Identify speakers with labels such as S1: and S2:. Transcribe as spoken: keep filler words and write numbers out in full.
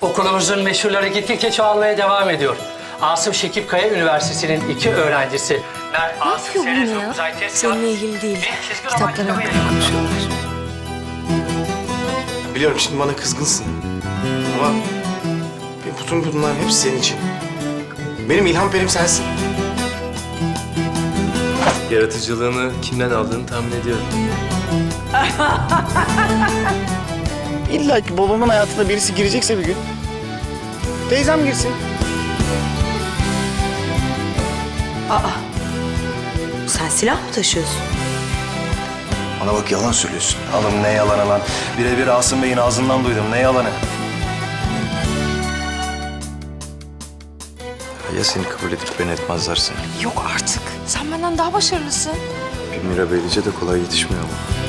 S1: Okulumuzun meşhurları gittikçe çoğalmaya devam ediyor. Asım Şekip Kaya Üniversitesi'nin iki öğrencisi Mert
S2: Ne
S1: Asım
S2: yapıyor bunu
S1: Serezo
S2: ya?
S1: Uzay Test
S2: Seninle
S1: Cihazı
S2: ilgili değil.
S1: bir çizgi roman
S2: Kitaplar
S1: kitabı
S2: hakkında
S1: yayınladı.
S2: konuşuyorlar.
S3: Biliyorum şimdi bana kızgınsın. Ama bütün bunlar hepsi senin için. Benim ilham perim sensin.
S4: Yaratıcılığını kimden aldığını tahmin ediyorum.
S3: İlla ki babamın hayatına birisi girecekse bir gün teyzem girsin.
S2: Sen silah mı taşıyorsun?
S5: Bana bak yalan söylüyorsun. Oğlum ne yalanı lan? Birebir Asım Bey'in ağzından duydum. Ne yalanı? Ya seni kabul edip beni etmezlerse?
S2: Yok artık. Sen benden daha başarılısın.
S5: Bir Mira Beylice de kolay yetişmiyor ama.